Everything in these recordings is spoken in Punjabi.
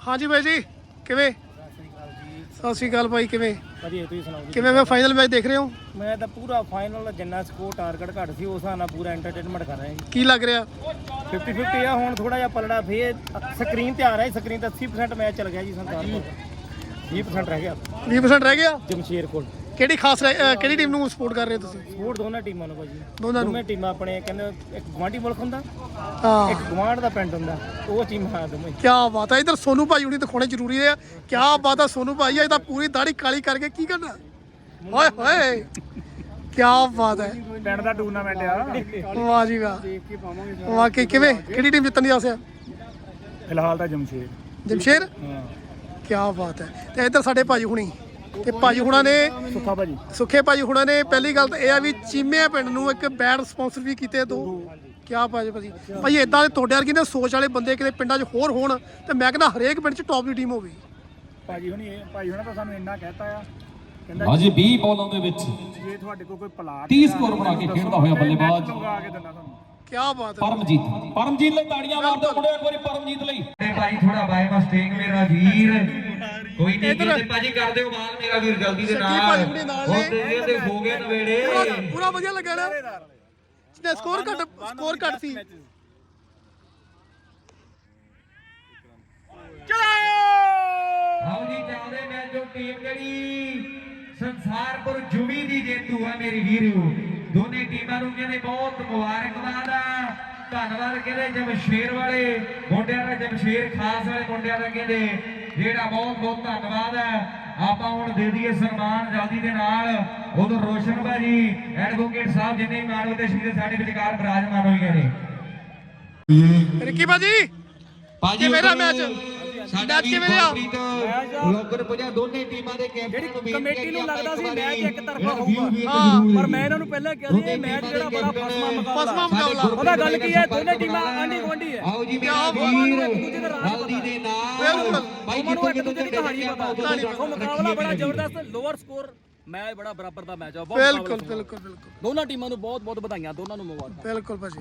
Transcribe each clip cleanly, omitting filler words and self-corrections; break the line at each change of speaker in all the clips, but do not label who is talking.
ਹਾਂਜੀ ਬਾਈ ਜੀ ਕਿਵੇਂ? ਸਤਿ ਸ਼੍ਰੀ ਅਕਾਲ ਭਾਈ ਕਿਵੇਂ?
ਵਧੀਆ ਤੁਸੀਂ ਸੁਣਾਓ ਜੀ?
ਕਿਵੇਂ ਮੈਂ ਫਾਈਨਲ ਮੈਚ ਦੇਖ ਰਹੇ ਹੋ?
ਮੈਂ ਤਾਂ ਪੂਰਾ ਫਾਈਨਲ ਜਿੰਨਾ ਸਕੋਰ ਟਾਰਗੇਟ ਘੱਟ ਸੀ ਉਸ ਹਿਸਾਬ ਨਾਲ ਪੂਰਾ ਐਂਟਰਟੇਨਮੈਂਟ ਕਰ ਰਿਹਾ ਜੀ।
ਕੀ ਲੱਗ ਰਿਹਾ?
50-50 ਆ ਹੁਣ ਥੋੜਾ ਜਿਹਾ ਪਲੜਾ ਫੇਰ ਸਕਰੀਨ ਤੇ ਆ ਰਿਹਾ ਸਕਰੀਨ ਤੇ 80% ਮੈਚ ਚੱਲ ਗਿਆ ਜੀ ਸੰਸਾਰ 20% ਰਹਿ ਗਿਆ
20% ਰਹਿ ਗਿਆ।
ਜਮਸ਼ੇਰ ਕੋਲ
ਕਿਹੜੀ ਖਾਸ ਕਿਹੜੀ ਟੀਮ ਨੂੰ ਸਪੋਰਟ ਕਰ ਰਹੇ ਹੋ ਤੁਸੀਂ?
ਸਪੋਰਟ ਦੋਨਾਂ ਟੀਮਾਂ ਨੂੰ ਭਾਜੀ
ਦੋਵੇਂ
ਟੀਮਾਂ ਆਪਣੇ ਕਹਿੰਦੇ ਇੱਕ ਗਵਾਂਢੀ ਮੁਲਕ ਹੁੰਦਾ
ਹਾਂ
ਇੱਕ ਗਵਾਂਢ ਦਾ ਪਿੰਡ ਹੁੰਦਾ ਉਹ ਟੀਮਾਂ ਦੋਵੇਂ।
ਕੀ ਬਾਤ ਹੈ। ਇਧਰ ਸੋਨੂ ਭਾਈ ਹੁਣੀ ਦਿਖਾਉਣੇ ਜ਼ਰੂਰੀ ਹੈ। ਕੀ ਬਾਤ ਹੈ ਸੋਨੂ ਭਾਈ ਇਹ ਤਾਂ ਪੂਰੀ ਦਾੜੀ ਕਾਲੀ ਕਰਕੇ ਕੀ ਕਰਨਾ ਓਏ ਹੋਏ ਕੀ ਬਾਤ ਹੈ।
ਪਿੰਡ ਦਾ ਟੂਰਨਾਮੈਂਟ ਆ
ਵਾਹ ਜੀ ਵਾਹ
ਦੇਖ ਕੇ ਪਾਵਾਂਗੇ
ਵਾਕਈ ਕਿਵੇਂ ਕਿਹੜੀ ਟੀਮ ਜਿੱਤਣ ਦੀ ਆਸ ਹੈ?
ਫਿਲਹਾਲ ਤਾਂ ਜਮਸ਼ੇਰ
ਜਮਸ਼ੇਰ
ਹਾਂ
ਕੀ ਬਾਤ ਹੈ। ਤੇ ਇੱਧਰ ਸਾਡੇ ਭਾਜੀ ਹੁਣੀ ਤੇ ਭਾਜੀ ਹੁਣਾਂ ਨੇ
ਸੁੱਖਾ ਭਾਜੀ
ਸੁੱਖੇ ਭਾਜੀ ਹੁਣਾਂ ਨੇ ਪਹਿਲੀ ਗੱਲ ਤਾਂ ਇਹ ਆ ਵੀ ਚੀਮੇ ਪਿੰਡ ਨੂੰ ਇੱਕ ਬੈਡ ਸਪਾਂਸਰ ਵੀ ਕੀਤੇ ਦੋ। ਕਿਆ ਭਾਜੀ ਭਾਈ ਇਦਾਂ ਦੇ ਤੁਹਾਡੇ ਵਰਗੇ ਨੇ ਸੋਚ ਵਾਲੇ ਬੰਦੇ ਕਿਤੇ ਪਿੰਡਾਂ 'ਚ ਹੋਰ ਹੋਣ ਤੇ ਮੈਂ ਕਹਿੰਦਾ ਹਰੇਕ ਪਿੰਡ 'ਚ ਟੌਪ ਦੀ ਟੀਮ ਹੋਵੇ।
ਭਾਜੀ ਹੁਣਾਂ ਤਾਂ ਸਾਨੂੰ ਇੰਨਾ ਕਹਿਤਾ ਆ
ਅਜੇ 20 ਬਾਲਾਂ ਦੇ ਵਿੱਚ
ਜੇ ਤੁਹਾਡੇ ਕੋਲ ਕੋਈ ਪਲਾਟ
30 ਸਕੋਰ ਬਣਾ ਕੇ ਖੇਡਦਾ ਹੋਇਆ ਬੱਲੇਬਾਜ਼
ਲਗਾ ਕੇ ਦਿੰਦਾ ਤੁਹਾਨੂੰ।
ਕੀ ਬਾਤ ਹੈ।
ਪਰਮਜੀਤ ਲਈ ਤਾੜੀਆਂ ਮਾਰ ਦਿਓ ਮੁੰਡੇ ਇੱਕ ਵਾਰੀ ਪਰਮਜੀਤ ਲਈ।
ਭਾਈ ਥੋੜਾ ਬਾਏ ਮਿਸਟੇਕ ਮੇਰਾ ਵੀਰ ਕੋਈ ਨਹੀਂ ਕਹਿੰਦੇ ਭਾਜੀ ਕਰ ਦਿਓ ਬਾਅਦ ਮੇਰਾ ਵੀਰ ਜਲਦੀ ਦੇ ਨਾਲ ਹੁਣ ਤੇ ਹੋ ਗਏ ਨਵੇੜੇ
ਪੂਰਾ ਵਧੀਆ ਲੱਗਾ ਨਾ ਜਿਹਨੇ ਸਕੋਰ ਘੱਟ ਸੀ।
ਆਓ ਜੀ ਚੱਲਦੇ ਮੈਚ ਜੋ ਟੀਮ ਜਿਹੜੀ ਸੰਸਾਰਪੁਰ ਜੁਵੀ ਦੀ ਜੇਤੂ ਆ ਮੇਰੇ ਵੀਰੋ ਦੋਨੇ ਟੀਮਾਂ ਨੂੰ ਕਹਿੰਦੇ ਬਹੁਤ ਮੁਬਾਰਕਬਾਦ ਆ ਧੰਨਵਾਦ ਕਹਿੰਦੇ ਜਮਸ਼ੇਰ ਵਾਲੇ ਮੁੰਡਿਆਂ ਦਾ ਜਮਸ਼ੇਰ ਖਾਸ ਵਾਲੇ ਮੁੰਡਿਆਂ ਦਾ ਕਹਿੰਦੇ ਜਿਹੜਾ ਬਹੁਤ ਬਹੁਤ ਧੰਨਵਾਦ ਹੈ। ਆਪਾਂ ਹੁਣ ਦੇ ਦਈਏ ਸਨਮਾਨ ਜਲਦੀ ਦੇ ਨਾਲ ਉਧਰ ਰੋਸ਼ਨ ਭਾਜੀ ਐਡਵੋਕੇਟ ਸਾਹਿਬ ਜਿੰਨੇ ਮਾਨਵ ਤੇ ਸ਼ਹੀਦ ਸਾਡੇ ਵਿਚਕਾਰ ਵਿਰਾਜਮਾਨ ਹੋਈਆਂ ਨੇ।
ਰਿੱਕੀ ਭਾਜੀ ਮੇਰਾ ਮੈਚ
ਸਾਡਾ ਵੀ
ਕਿਵੇਂ ਰਿਹਾ?
ਲੋਕਰ ਪੁਜਾ ਦੋਨੇ ਟੀਮਾਂ ਦੇ ਕੈਪਟਨ ਨੂੰ
ਕਮੇਟੀ ਨੂੰ ਲੱਗਦਾ ਸੀ ਮੈਚ ਇੱਕ ਤਰਫਾ ਹੋਊਗਾ ਪਰ ਮੈਂ ਇਹਨਾਂ ਨੂੰ ਪਹਿਲਾਂ ਕਿਹਾ ਸੀ ਇਹ ਮੈਚ ਜਿਹੜਾ ਬੜਾ ਫਸਮਾ ਮੁਕਾਬਲਾ ਉਹਦਾ ਗੱਲ ਕੀ ਹੈ ਦੋਨੇ ਟੀਮਾਂ ਆਂਢੀ ਗੁਆਂਢੀ ਹੈ।
ਆਓ ਜੀ ਮੇਰੇ ਵੀਰ ਜਲਦੀ ਦੇ ਨਾਲ
ਭਾਈ ਜਿੱਤੋਂ ਇੱਕ ਦੂਜੇ ਦੀ ਕਹਾਣੀ ਪਤਾ ਉਹ ਮੁਕਾਬਲਾ ਬੜਾ ਜ਼ਬਰਦਸਤ ਲੋਅਰ ਸਕੋਰ ਮੈਚ ਬੜਾ ਬਰਾਬਰ ਦਾ ਮੈਚ ਆ
ਬਿਲਕੁਲ
ਦੋਨਾਂ ਟੀਮਾਂ ਨੂੰ ਬਹੁਤ ਬਹੁਤ ਵਧਾਈਆਂ ਦੋਨਾਂ ਨੂੰ ਮੁਬਾਰਕਾਂ।
ਬਿਲਕੁਲ ਭਾਜੀ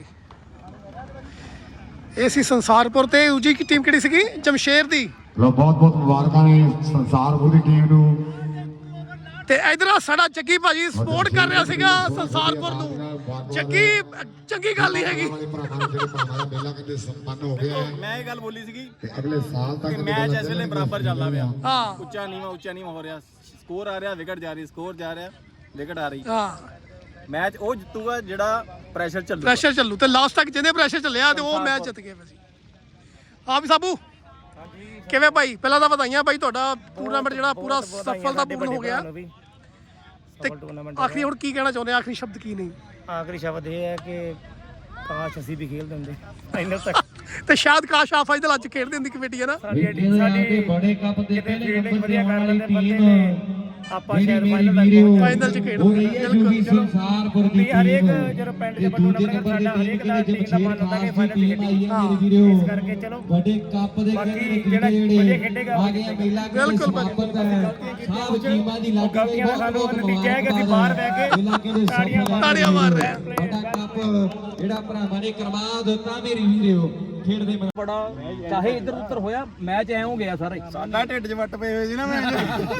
ਇਹ ਸੀ ਸੰਸਾਰਪੁਰ ਤੇ ਦੂਜੀ ਟੀਮ ਕਿਹੜੀ ਸੀਗੀ? ਜਮਸ਼ੇਰ ਦੀ।
ਲੋ ਬਹੁਤ ਬਹੁਤ ਮੁਬਾਰਕਾਂ ਨੇ ਸੰਸਾਰਪੁਰ ਦੀ ਟੀਮ ਨੂੰ।
ਤੇ ਇਧਰ ਸਾਡਾ ਜੱਗੀ ਭਾਜੀ ਸਪੋਰਟ ਕਰ ਰਿਹਾ ਸੀਗਾ ਸੰਸਾਰਪੁਰ ਨੂੰ। ਜੱਗੀ ਚੰਗੀ ਗੱਲ ਨਹੀਂ ਹੈਗੀ।
ਮੇਲਾ ਕਹਿੰਦੇ ਸੰਪੰਨ ਹੋ ਗਿਆ ਹੈ।
ਮੈਂ ਇਹ ਗੱਲ ਬੋਲੀ ਸੀਗੀ
ਤੇ ਅਗਲੇ ਸਾਲ ਤੱਕ
ਮੈਚ ਇਸ ਵੇਲੇ ਬਰਾਬਰ ਚੱਲਦਾ ਪਿਆ।
ਹਾਂ
ਉੱਚਾ ਨੀਵਾਂ ਹੋ ਰਿਹਾ ਸਕੋਰ ਆ ਰਿਹਾ ਵਿਕਟ ਜਾ ਰਹੀ ਸਕੋਰ ਜਾ ਰਿਹਾ ਵਿਕਟ ਆ ਰਹੀ
ਹਾਂ
ਮੈਚ ਉਹ ਜਿੱਤੂਗਾ ਜਿਹੜਾ ਪ੍ਰੈਸ਼ਰ
ਚੱਲੂ ਤੇ ਲਾਸਟ ਤੱਕ ਜਿਹਨੇ ਪ੍ਰੈਸ਼ਰ ਚੱਲਿਆ ਤੇ ਉਹ ਮੈਚ ਜਿੱਤ ਗਏ ਭਾਜੀ। ਹਾਂ ਵੀ ਸਾਬੂ ਕਿਵੇਂ ਭਾਈ? ਪਹਿਲਾਂ ਤਾਂ ਵਧਾਈਆਂ ਭਾਈ ਤੁਹਾਡਾ ਟੂਰਨਾਮੈਂਟ ਜਿਹੜਾ ਪੂਰਾ ਸਫਲਤਾਪੂਰਨ ਹੋ ਗਿਆ ਤੇ ਆਖਰੀ ਹੁਣ ਕੀ ਕਹਿਣਾ ਚਾਹੁੰਦੇ? ਆਖਰੀ ਸ਼ਬਦ ਕੀ ਨਹੀਂ?
ਆਖਰੀ ਸ਼ਬਦ ਇਹ ਹੈ ਕਿ ਕਾਸ਼ ਅਸੀਂ ਵੀ ਖੇਡ ਦਿੰਦੇ ਫਾਈਨਲ ਤੱਕ
ਤੇ ਸ਼ਾਇਦ ਕਾਸ਼ ਆ ਫਾਈਨਲ ਅੱਜ ਖੇਡ ਦਿੰਦੀ ਕਮੇਟੀ ਹੈ ਨਾ।
ਸਾਡੀ ਬੜੇ ਕੱਪ ਦੇ ਪਹਿਲੇ ਨੰਬਰ ਤੇ ਆਉਣ ਵਾਲੀ ਟੀਮ
ਆਪਾਂ ਸ਼ਾਇਦ ਫਾਈਨਲ
ਚ ਖੇਡ
ਬਿਲਕੁਲ ਸੰਸਾਰਪੁਰ ਦੀ
ਹਰੇਕ
ਟੀਮ
ਜਦੋਂ ਪਿੰਡ
ਤੇ
ਚ
ਦੂਜੇ ਨੰਬਰ
ਸਾਡਾ
ਦੀ
ਹਰੇਕ
ਟੀਮ
ਦਾ
ਦੇ
ਟੀਮ ਦਾ ਮਨ ਹੁੰਦਾ ਕਿ ਫਾਈਨਲ
ਟੀਮ ਆਈ ਹੈ ਮੇਰੇ ਵੀਰੋ
ਇਸ ਕਰਕੇ ਚਲੋ
ਵੱਡੇ ਕੱਪ ਦੇ
ਬਾਕੀ
ਕਹਿੰਦੇ
ਜਿਹੜਾ ਖੇਡੇਗਾ
ਆ ਗਿਆ ਮੇਲਾ
ਬਿਲਕੁਲ
ਸਮਾਪਤ ਹੈ ਸਭ ਟੀਮਾਂ ਦੀ ਲੱਗ ਗਈ
ਗਲਤੀਆਂ ਦਾ ਸਾਨੂੰ ਨਤੀਜਾ ਹੈ ਕਿ ਅਸੀਂ ਬਾਹਰ ਬਹਿ ਕੇ
ਤਾੜੀਆਂ ਮਾਰ ਰਹੇ ਆ।
ਵੱਡਾ ਕੱਪ ਜਿਹੜਾ ਭਰਾਵਾਂ ਨੇ ਕਰਵਾ ਦਿੱਤਾ ਮੇਰੇ ਵੀਰੋ ਖੇਡਦੇ
ਬੜਾ ਚਾਹੇ ਇੱਧਰ ਉੱਧਰ ਹੋਇਆ ਮੈਚ ਐ ਹੋ ਗਿਆ ਸਾਰਾ ਸਾਡਾ ਢਿੱਡ 'ਚ ਵੱਟ ਪਏ ਹੋਏ ਸੀ ਨਾ ਮੈਚ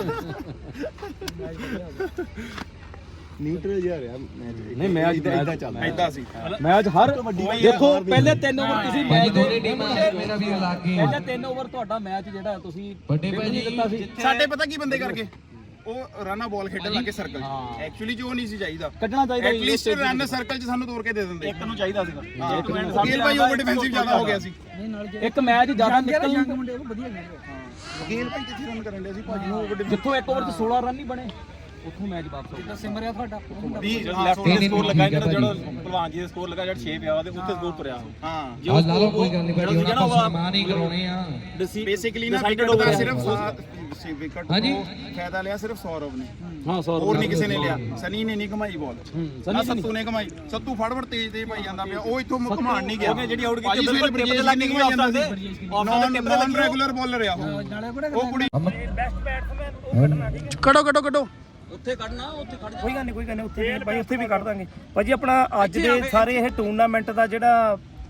ਨਿਊਟਰਲ ਜਿਹਾ ਰਿਹਾ ਮੈਚ ਨਹੀਂ ਮੈਚ ਇਦਾਂ ਚੱਲਦਾ ਇਦਾਂ ਸੀ ਮੈਚ ਹਰ ਦੇਖੋ ਪਹਿਲੇ 3 ਓਵਰ ਤੁਸੀਂ ਮੈਚ ਦੇ
ਮੇਰਾ ਵੀਰ ਲੱਗ ਗਏ
ਪਹਿਲੇ 3 ਓਵਰ ਤੁਹਾਡਾ ਮੈਚ ਜਿਹੜਾ ਤੁਸੀਂ
ਵੱਡੇ ਭਾਜੀ
ਦਿੱਤਾ ਸੀ
ਸਾਡੇ ਪਤਾ ਕੀ ਬੰਦੇ ਕਰਕੇ ਉਹ ਰਨਾ ਬਾਲ ਖੇਡਣ ਲੱਗੇ ਸਰਕਲ 'ਚ ਐਕਚੁਅਲੀ ਜੋ ਨਹੀਂ ਸੀ ਚਾਹੀਦਾ
ਕੱਢਣਾ ਚਾਹੀਦਾ
ਐਟਲੀਸਟ ਰਨ ਸਰਕਲ 'ਚ ਸਾਨੂੰ ਤੋੜ ਕੇ ਦੇ ਦਿੰਦੇ
ਇੱਕ ਨੂੰ ਚਾਹੀਦਾ ਸੀਗਾ
ਵਕੀਲ ਭਾਈ ਓਵਰ ਡਿਫੈਂਸਿਵ ਜ਼ਿਆਦਾ ਹੋ ਗਿਆ ਸੀ
ਇੱਕ ਮੈਚ ਜ਼ਿਆਦਾ ਨਿਕਲ ਵਧੀਆ
ਵਕੀਲ ਭਾਈ ਕਿੱਥੇ ਰਨ ਕਰਨ ਦੇ ਸੀ ਭਾਜੀ ਨੂੰ ਓਵਰ
ਜਿੱਥੋਂ ਇੱਕ ਓਵਰ 'ਚ 16 ਰਨ ਨਹੀਂ ਬਣੇ ਉੱਥੋਂ ਮੈਚ ਵਾਪਸ ਹੋ ਗਿਆ ਸਿਮਰਿਆ ਤੁਹਾਡਾ
ਲੈਫਟ ਦੇ ਸਕੋਰ ਲੱਗਾ ਜਿਹੜਾ ਭਲਵਾਨ ਜੀ ਦੇ ਸਕੋਰ ਲੱਗਾ ਜਿਹੜਾ 6 ਪਿਆ ਉਹਦੇ ਉੱਤੇ ਸਕੋਰ ਤੁਰਿਆ ਹਾਂ
ਆ ਲਾ ਲਓ ਕੋਈ ਗੱਲ ਨਹੀਂ ਭਾਜੀ ਉਹਨਾਂ ਨੂੰ ਸਨਮਾਨ ਹੀ ਕਰਾਉਣੇ ਆ
ਬੇਸਿਕਲੀ ਨਾ ਵਿਕਟ ਦਾ ਸਿਰਫ ਵਿਕਟ
ਹਾਂਜੀ
ਫਾਇਦਾ ਲਿਆ ਸਿਰਫ ਸੌਰਵ ਨੇ
ਹਾਂ 100
ਹੋਰ ਨਹੀਂ ਕਿਸੇ ਨੇ ਲਿਆ ਸਨੀ ਨੇ ਨਹੀਂ ਘਮਾਈ ਬਾਲ ਨਾ ਸੱਤੂ ਨੇ ਘਮਾਈ ਸੱਤੂ ਫੜਵੜ ਤੇਜ਼ ਪਾਈ ਜਾਂਦਾ ਪਿਆ ਉਹ ਇੱਥੋਂ ਘਮਾਣ ਨਹੀਂ ਗਿਆ
ਜਿਹੜੀ ਆਊਟ
ਕੀਤੀ ਬਿਲਕੁਲ ਲੱਗ ਨਹੀਂ ਘਮਾਈ ਜਾਂਦਾ ਸੀ ਨਾਨ ਰੈਗੂਲਰ ਬੋਲਰ ਆ ਉਹ ਕੁੜੀ
ਬੈਸਟ ਬੈਟਸਮੈਨ ਉਹ ਕੱਢਣਾ
ਕੱਢੋ
ਉੱਥੇ ਕੱਢਣਾ ਉੱਥੇ ਕੱਢ ਕੋਈ ਗੱਲ ਨਹੀਂ ਉੱਥੇ ਭਾਈ ਉੱਥੇ ਵੀ ਕੱਢ ਦਾਂਗੇ ਭਾਜੀ ਆਪਣਾ ਅੱਜ ਦੇ ਸਾਰੇ ਇਹ ਟੂਰਨਾਮੈਂਟ ਦਾ ਜਿਹੜਾ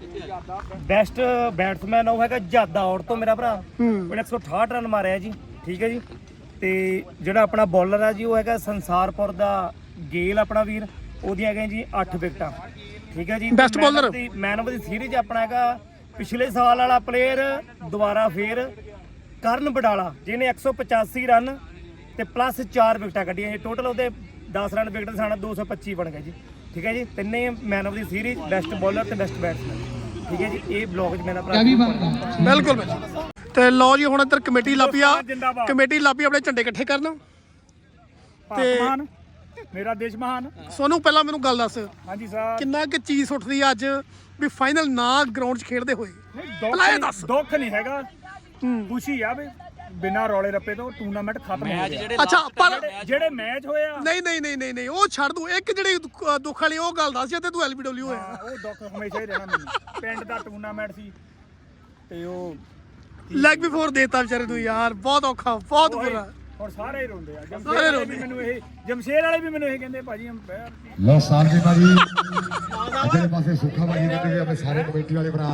ਬੈਸਟ ਬੈਟਸਮੈਨ ਉਹ ਹੈਗਾ ਜਾਦਾ ਔਰ ਤੋਂ ਮੇਰਾ ਭਰਾ
ਹੂੰ
ਉਹਨੇ 168 ਰਨ ਮਾਰਿਆ ਜੀ, ਠੀਕ ਹੈ ਜੀ। ਤੇ ਜਿਹੜਾ ਆਪਣਾ ਬੋਲਰ ਆ ਜੀ ਉਹ ਹੈਗਾ ਸੰਸਾਰਪੁਰ ਦਾ ਗੇਲ ਆਪਣਾ ਵੀਰ, ਉਹਦੀਆਂ ਹੈਗੀਆਂ ਜੀ 8 ਵਿਕਟਾਂ, ਠੀਕ ਹੈ ਜੀ।
Best bowler।
Man of the series ਆਪਣਾ ਹੈਗਾ ਪਿਛਲੇ ਸਾਲ ਵਾਲਾ ਪਲੇਅਰ ਦੁਬਾਰਾ ਫੇਰ ਕਰਨ ਬਡਾਲਾ, ਜਿਹਨੇ 185 ਰਨ ਤੇ ਪਲੱਸ 4 ਵਿਕਟਾਂ ਕੱਢੀਆਂ ਜੀ। ਟੋਟਲ ਉਹਦੇ 10 ਰਨ ਵਿਕਟ ਸਾਡਾ 225 ਬਣ ਗਏ ਜੀ, ਠੀਕ ਹੈ ਜੀ। ਤਿੰਨੇ man of the series, best bowler ਤੇ ਬੈਸਟ ਬੈਟਸਮੈਨ, ਠੀਕ ਹੈ ਜੀ। ਇਹ ਬਲੌਗ 'ਚ ਮੇਰਾ ਭਰਾ
ਬਿਲਕੁਲ ਭਾਜੀ। ਤੇ ਲਓ ਜੀ ਹੁਣ ਇੱਧਰ ਕਮੇਟੀ ਲਾਪੀ ਆ, ਕਮੇਟੀ ਲਾਪੀ ਆਪਣੇ ਝੰਡੇ ਇਕੱਠੇ ਕਰਨ ਤੇ
ਮੇਰਾ ਦੇਸ਼ ਮਹਾਨ।
ਸੋਨੂੰ ਪਹਿਲਾਂ ਮੈਨੂੰ ਗੱਲ ਦੱਸ,
ਹਾਂਜੀ ਸਰ।
ਕਿੰਨਾ ਕਿ ਚੀਜ਼ ਉੱਠਦੀ ਆ ਅੱਜ ਵੀ ਫਾਈਨਲ ਨਾ ਗਰਾਊਂਡ 'ਚ ਖੇਡਦੇ ਹੋਏ? ਪਹਿਲਾਂ ਇਹ ਦੱਸ।
ਦੁੱਖ ਨਹੀਂ ਹੈਗਾ, ਖੁਸ਼ੀ ਆ ਵੀ ਬਿਨਾਂ ਰੌਲੇ ਰੱਪੇ ਤੋਂ ਟੂਰਨਾਮੈਂਟ ਖਤਮ ਹੋ ਗਿਆ।
ਅੱਛਾ ਪਰ
ਜਿਹੜੇ ਮੈਚ ਹੋਏ ਆ
ਨਹੀਂ ਉਹ ਛੱਡ ਦੂੰ, ਇੱਕ ਜਿਹੜੀ ਦੁੱਖ ਵਾਲੀ ਉਹ ਗੱਲ ਦੱਸ ਜੇ ਤੂੰ LBW ਹੋਇਆ।
ਉਹ ਦੁੱਖ ਹਮੇਸ਼ਾ ਹੀ ਰਹਿਣਾ ਮੈਨੂੰ। ਪਿੰਡ ਦਾ ਟੂਰਨਾਮੈਂਟ ਸੀ ਤੇ ਉਹ
ਲੈਗ ਵੀ ਫੋਰ ਦੇਤਾ ਵਿਚਾਰੇ ਨੂੰ ਯਾਰ, ਬਹੁਤ ਔਖਾ, ਬਹੁਤ ਬੁਰਾ।
ਹੁਣ ਸਾਰੇ ਹੀ ਰੋਂਦੇ ਆ।
ਸਾਰੇ
ਜਮਸ਼ੇਰ ਵਾਲੇ
ਰੋਂਦੇ।
ਵੀ ਮੈਨੂੰ ਇਹ ਜਮਸ਼ੇਰ ਵਾਲੇ ਵੀ ਮੈਨੂੰ ਇਹ ਕਹਿੰਦੇ ਭਾਜੀ ਅੰਪਾਇਰ
ਲੋ ਸਾਂਝੀ ਭਾਜੀ ਅਜੇ ਪਾਸੇ ਸੁੱਖਾ ਭਾਜੀ ਕਹਿੰਦੇ ਵੀ ਆਪਣੇ ਸਾਰੇ ਕਮੇਟੀ ਵਾਲੇ ਭਰਾ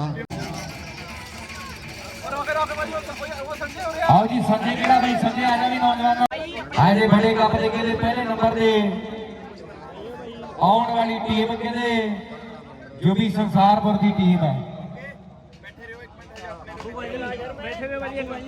ਆਓ ਜੀ ਸੰਜੇ ਕਿਹੜਾ ਬਈ, ਸੰਜੇ ਆ ਜਾ ਵੀ ਨੌਜਵਾਨ। ਆਜੇ ਬੜੇ ਕੱਪ ਦੇ ਕਹਿੰਦੇ ਪਹਿਲੇ ਨੰਬਰ ਦੇ ਆਉਣ ਵਾਲੀ ਟੀਮ ਕਹਿੰਦੇ ਜੋ ਵੀ ਸੰਸਾਰਪੁਰ ਦੀ ਟੀਮ ਹੈ।
ਬੈਠੇ ਹੋਏ ਭਾਜੀ ਇੱਕ ਵਾਰੀ।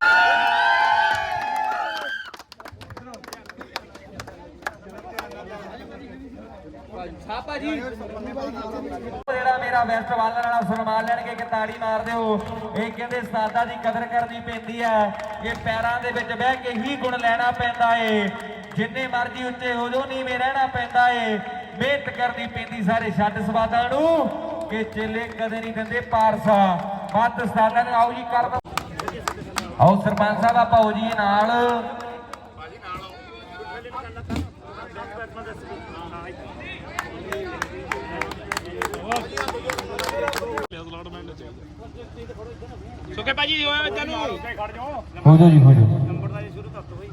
ਜਿਹੜਾ ਮੇਰਾ ਵੈਸਟ ਵਾਲਰ ਵਾਲਾ ਸਨਮਾਨ ਲੈਣਗੇ ਕਿ ਤਾੜੀ ਮਾਰ ਦਿਓ। ਇਹ ਕਹਿੰਦੇ ਸਾਦਾ ਦੀ ਕਦਰ ਕਰਨੀ ਪੈਂਦੀ ਹੈ, ਇਹ ਪੈਰਾਂ ਦੇ ਵਿੱਚ ਬਹਿ ਕੇ ਹੀ ਗੁਣ ਲੈਣਾ ਪੈਂਦਾ ਏ। ਜਿੰਨੇ ਮਰਜ਼ੀ ਉੱਚੇ ਹੋ ਜਾਓ ਨੀਵੇਂ ਰਹਿਣਾ ਪੈਂਦਾ ਏ, ਮਿਹਨਤ ਕਰਨੀ ਪੈਂਦੀ ਸਾਰੇ ਛੱਡ ਸਵਾਦਾਂ ਨੂੰ ਕਿ ਚੇਲੇ ਕਦੇ ਨਹੀਂ ਦਿੰਦੇ ਪਾਰਸਾ ਵੱਧ ਸਾਦਾ ਨੂੰ। ਆਓ ਜੀ ਕਰ ਦੋ, ਆਓ ਸਰਪੰਚ ਸਾਹਿਬ ਆਪਾਂ ਹੋ ਜੀ ਨਾਲ।
ਸੁੱਕੇ ਭਾਜੀ ਹੋਇਆ ਵਿੱਚ ਨੂੰ ਖੜ ਜਾਓ।
ਹੋ ਜਾਓ ਜੀ, ਹੋ ਜਾਓ।
ਨੰਬਰ ਦਾ ਸ਼ੁਰੂ ਕਰ ਦੋ ਬਈ।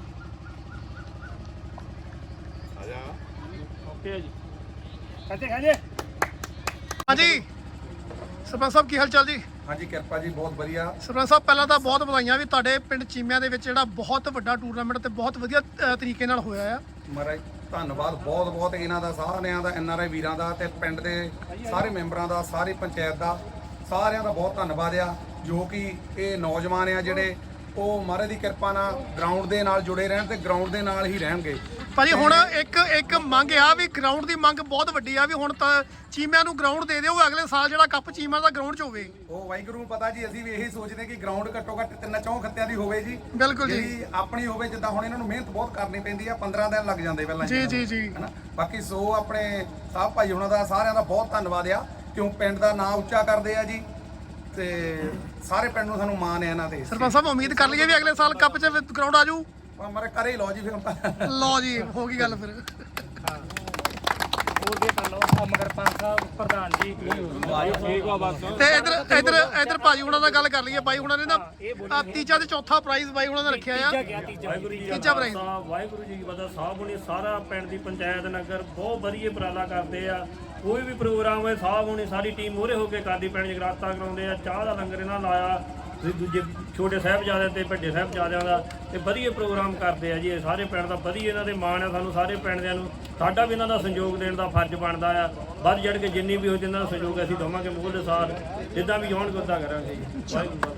ਓਕੇ ਜੀ, ਕੱਟੇ ਖਾਜੇ।
ਹਾਂਜੀ ਸਰਪੰਚ ਸਾਹਿਬ ਕੀ ਹਾਲ ਚਾਲ ਜੀ?
ਹਾਂਜੀ ਕਿਰਪਾ ਜੀ, ਬਹੁਤ ਵਧੀਆ।
ਸਰਪੰਚ ਸਾਹਿਬ ਪਹਿਲਾਂ ਤਾਂ ਬਹੁਤ ਵਧਾਈਆਂ ਵੀ ਤੁਹਾਡੇ ਪਿੰਡ ਚੀਮਿਆਂ ਦੇ ਵਿੱਚ ਜਿਹੜਾ ਬਹੁਤ ਵੱਡਾ ਟੂਰਨਾਮੈਂਟ ਤੇ ਬਹੁਤ ਵਧੀਆ ਤਰੀਕੇ ਨਾਲ ਹੋਇਆ ਆ।
ਮਹਾਰਾਜ ਧੰਨਵਾਦ ਬਹੁਤ ਬਹੁਤ ਇਹਨਾਂ ਦਾ, ਸਾਰਿਆਂ ਦਾ, NRI ਵੀਰਾਂ ਦਾ ਤੇ ਪਿੰਡ ਦੇ ਸਾਰੇ ਮੈਂਬਰਾਂ ਦਾ, ਸਾਰੀ ਪੰਚਾਇਤ ਦਾ, ਸਾਰਿਆਂ ਦਾ ਬਹੁਤ ਧੰਨਵਾਦ ਆ। ਜੋ ਕਿ ਇਹ ਨੌਜਵਾਨ ਆ ਜਿਹੜੇ ਉਹ ਮਹਾਰਾਜ ਦੀ ਕਿਰਪਾ ਨਾਲ ਗਰਾਊਂਡ ਦੇ ਨਾਲ ਜੁੜੇ ਰਹਿਣ ਤੇ ਗਰਾਊਂਡ ਦੇ ਨਾਲ ਹੀ ਰਹਿਣਗੇ।
ਭਾਜੀ ਹੁਣ ਇੱਕ ਮੰਗ ਆ ਵੀ ਗਰਾਊਂਡ ਦੀ ਮੰਗ ਬਹੁਤ ਵੱਡੀ ਆ ਵੀ ਹੁਣ ਤਾਂ ਚੀਮਿਆਂ ਨੂੰ ਗਰਾਊਂਡ ਦੇ ਦਿਓ, ਅਗਲੇ ਸਾਲ ਜਿਹੜਾ ਕੱਪ ਚੀਮਿਆਂ ਦਾ ਗਰਾਊਂਡ 'ਚ ਹੋਵੇ।
ਉਹ ਵਾਹਿਗੁਰੂ ਨੂੰ ਪਤਾ ਜੀ, ਅਸੀਂ ਵੀ ਇਹੀ ਸੋਚਦੇ ਕਿ ਗਰਾਊਂਡ ਘੱਟੋ ਘੱਟ 3-4 ਖੱਤਿਆਂ ਦੀ ਹੋਵੇ ਜੀ।
ਬਿਲਕੁਲ ਜੀ।
ਜਿਹੜੀ ਆਪਣੀ ਹੋਵੇ, ਜਿੱਦਾਂ ਹੁਣ ਇਹਨਾਂ ਨੂੰ ਮਿਹਨਤ ਬਹੁਤ ਕਰਨੀ ਪੈਂਦੀ ਆ, 15 ਦਿਨ ਲੱਗ ਜਾਂਦੇ ਪਹਿਲਾਂ
ਜੀ
ਹਨਾ। ਬਾਕੀ ਸੋ ਆਪਣੇ ਸਾਹਿਬ ਭਾਈ ਉਹਨਾਂ ਦਾ ਸਾਰਿਆਂ ਦਾ ਬਹੁਤ ਧੰਨਵਾਦ ਆ, ਕਿਉਂ ਪਿੰਡ ਦਾ ਨਾਂ ਉੱਚਾ ਕਰਦੇ ਆ ਜੀ ਤੇ ਸਾਰੇ ਪਿੰਡ ਨੂੰ ਸਾਨੂੰ ਮਾਣ ਹੈ ਇਹਨਾਂ ਤੇ।
ਸਰਪੰਚ ਸਾਹਿਬ ਉਮੀਦ ਕਰ ਲਈਏ ਵੀ ਅਗਲੇ ਸਾਲ ਕੱਪ 'ਚ ਗਰਾਊਂਡ ਆ ਜਾਊ।
ਮਾਰੇ ਕਰੇ ਹੀ ਲਓ ਜੀ ਫਿਰ।
ਲਓ ਜੀ ਹੋ ਗਈ ਗੱਲ ਫਿਰ।
ਹੋਰ ਵੀ ਕਰ ਲਓ ਮਗਰ ਪੰਜ ਸਾਹਿਬ ਪ੍ਰਧਾਨ ਜੀ ਠੀਕ ਆ ਬਸ।
ਤੇ ਇਧਰ ਭਾਜੀ ਹੁਣਾਂ ਨਾਲ ਗੱਲ ਕਰ ਲਈਏ। ਬਾਈ ਹੁਣਾਂ ਨੇ ਨਾ ਤੀਜਾ ਤੇ ਚੌਥਾ ਪ੍ਰਾਈਜ਼ ਬਾਈ ਹੁਣਾਂ ਨੇ ਰੱਖਿਆ ਆ। ਤੀਜਾ ਪ੍ਰਾਈਜ਼
ਵਾਹਿਗੁਰੂ ਜੀ ਕੀ ਫਤਿਹ। ਸਾਹਿਬ ਹੁਣੀ ਸਾਰਾ ਪਿੰਡ ਦੀ ਪੰਚਾਇਤ ਨਗਰ ਬਹੁਤ ਵਧੀਆ ਉਪਰਾਲਾ ਕਰਦੇ ਆ। ਕੋਈ ਵੀ ਪ੍ਰੋਗਰਾਮ ਹੋਏ ਸਾਹਿਬ ਹੁਣੀ ਸਾਰੀ ਟੀਮ ਮੂਹਰੇ ਹੋ ਕੇ ਕਰਦੀ, ਪਿੰਡ ਜਗਰਾਤਾ ਕਰਾਉਂਦੇ ਆ, ਚਾਹ ਦਾ ਲੰਗਰ ਇਹਨਾਂ ਲਾਇਆ, ਦੂਜੇ ਛੋਟੇ ਸਾਹਿਬਜ਼ਾਦਿਆਂ ਤੇ ਵੱਡੇ ਸਾਹਿਬਜ਼ਾਦਿਆਂ ਦਾ ਤੇ ਵਧੀਆ ਪ੍ਰੋਗਰਾਮ ਕਰਦੇ ਆ ਜੀ। ਇਹ ਸਾਰੇ ਪਿੰਡ ਦਾ ਵਧੀਆ ਇਹਨਾਂ ਦੇ ਮਾਣ ਆ ਸਾਨੂੰ ਸਾਰੇ ਪਿੰਡ ਦਿਆਂ ਨੂੰ। ਸਾਡਾ ਵੀ ਇਹਨਾਂ ਦਾ ਸਹਿਯੋਗ ਦੇਣ ਦਾ ਫਰਜ਼ ਬਣਦਾ ਆ। ਵੱਧ ਚੜ੍ਹ ਕੇ ਜਿੰਨੀ ਵੀ ਹੋ ਜਿੰਨਾਂ ਦਾ ਸਹਿਯੋਗ ਅਸੀਂ ਦੇਵਾਂਗੇ ਮੂਲ ਦੇ ਸਾਥ, ਜਿੱਦਾਂ ਵੀ ਹੋਣਗੇ ਉੱਦਾਂ ਕਰਾਂਗੇ ਜੀ।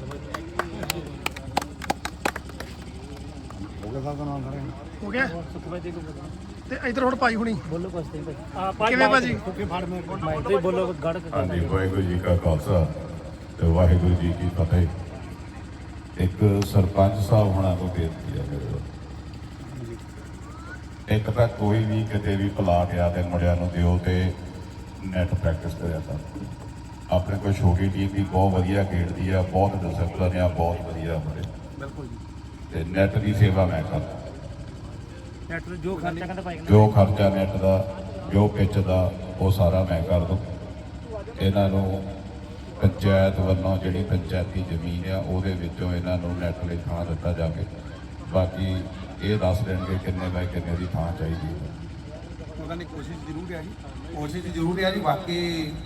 ਹੋ ਗਿਆ ਤੇ ਇਧਰ ਹੁਣ ਭਾਈ ਹੁਣੀ
ਬੋਲੋ ਕੁਛ ਤੇ
ਕਿਵੇਂ ਭਾਜੀ?
ਭਾਈ ਬੋਲੋ ਗੜ
ਹਾਂਜੀ, ਵਾਹਿਗੁਰੂ ਜੀ ਕਾ ਖਾਲਸਾ ਤੇ ਵਾਹਿਗੁਰੂ ਜੀ ਕੀ ਫਤਿਹ। ਇੱਕ ਸਰਪੰਚ ਸਾਹਿਬ ਹੋਣਾ ਨੂੰ ਬੇਨਤੀ ਹੈ ਮੇਰੇ ਵੱਲੋਂ, ਇੱਕ ਤਾਂ ਕੋਈ ਵੀ ਕਿਤੇ ਵੀ ਪਲਾਟ ਆ ਤੇ ਮੁੰਡਿਆਂ ਨੂੰ ਦਿਓ ਤੇ ਨੈਟ ਪ੍ਰੈਕਟਿਸ ਕਰਿਆ ਤਾਂ ਆਪਣੇ ਕੋਲ ਛੋਟੀ ਟੀਮ ਵੀ ਬਹੁਤ ਵਧੀਆ ਖੇਡਦੀ ਆ, ਬਹੁਤ ਡਿਸਪਲਿਨ ਆ, ਬਹੁਤ ਵਧੀਆ ਮੁੰਡੇ। ਬਿਲਕੁਲ ਜੀ। ਤੇ ਨੈਟ ਦੀ ਸੇਵਾ ਮੈਂ ਕਰਦਾ,
ਨੈਟ ਜੋ ਖਰਚਾ ਕਹਿੰਦਾ ਭਾਈ
ਜੋ ਖਰਚਾ ਨੈਟ ਦਾ, ਜੋ ਪਿੱਚ ਦਾ, ਉਹ ਸਾਰਾ ਮੈਂ ਕਰ ਦੂੰ। ਇਹਨਾਂ ਨੂੰ ਪੰਚਾਇਤ ਵੱਲੋਂ ਜਿਹੜੀ ਪੰਚਾਇਤੀ ਜ਼ਮੀਨ ਆ ਉਹਦੇ ਵਿੱਚੋਂ ਇਹਨਾਂ ਨੂੰ ਨੈਟ ਲਈ ਥਾਂ ਦਿੱਤਾ ਜਾਵੇ। ਬਾਕੀ ਇਹ ਦੱਸ ਦੇਣਗੇ ਕਿੰਨੇ ਬਾਈ ਕਿੰਨੇ ਦੀ ਥਾਂ ਚਾਹੀਦੀ ਹੈ।
ਉਹਨਾਂ ਦੀ ਕੋਸ਼ਿਸ਼ ਜ਼ਰੂਰ ਹੈ ਜੀ, ਕੋਸ਼ਿਸ਼ ਜ਼ਰੂਰ ਹੈ ਜੀ। ਬਾਕੀ